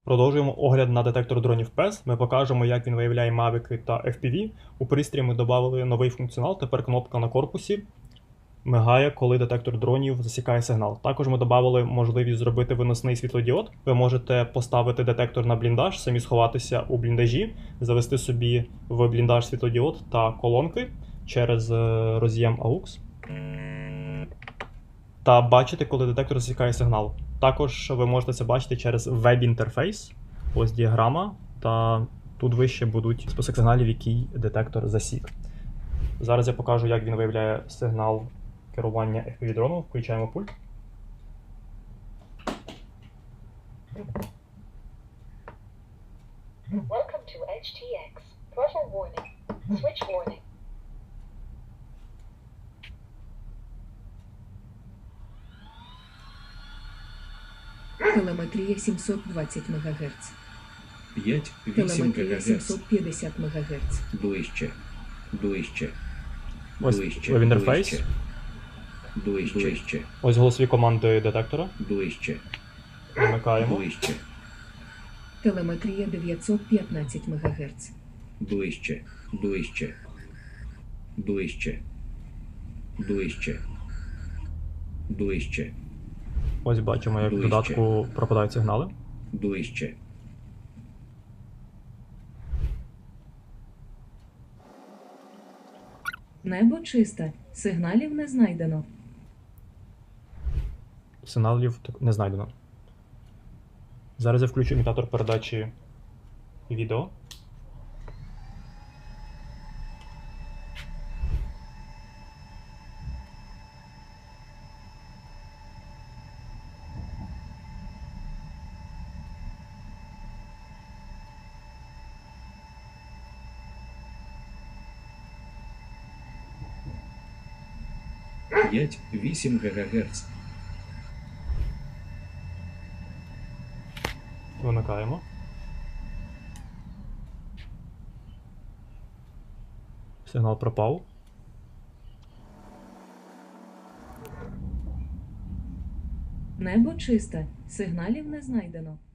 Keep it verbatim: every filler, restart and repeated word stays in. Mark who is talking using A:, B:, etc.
A: Продовжуємо огляд на детектор дронів пес. Ми покажемо, як він виявляє мавіки та еф пі ві. У пристрій ми додали новий функціонал. Тепер кнопка на корпусі мигає, коли детектор дронів засікає сигнал. Також ми додали можливість зробити виносний світлодіод. Ви можете поставити детектор на бліндаж, самі сховатися у бліндажі, завести собі в бліндаж світлодіод та колонки через роз'єм АУКС. Та бачити, коли детектор засікає сигнал. Також ви можете це бачити через веб-інтерфейс. Ось діаграма, та тут вище будуть список сигналів, який детектор засік. Зараз я покажу, як він виявляє сигнал керування еф пі ві-дрону. Включаємо пульт.
B: Welcome to H T X. Throttle warning. Switch warning.
C: Телеметрія сімсот двадцять мегагерц.
D: п'ять вісім
C: Телеметрія
D: ГГц.
C: сімсот п'ятдесят мегагерц.
D: Ближче. Ближче.
A: Ось
D: Ближче.
A: веб-інтерфейс.
D: Ближче. Ближче. Ближче.
A: Ось голосові команди детектора.
D: Ближче.
A: Вимикаємо.
D: Ближче.
C: Телеметрія дев'ятсот п'ятнадцять мегагерц.
D: Ближче. Ближче. Ближче. Ближче. Ближче.
A: Ось бачимо, як в
D: Ближче.
A: додатку пропадають сигнали.
D: Ближче.
C: Небо чисте. Сигналів не знайдено.
A: Сигналів так не знайдено. Зараз я включу імітатор передачі відео.
D: п'ять вісім ГГц.
A: Вимикаємо. Сигнал пропав.
C: Небо чисте. Сигналів не знайдено.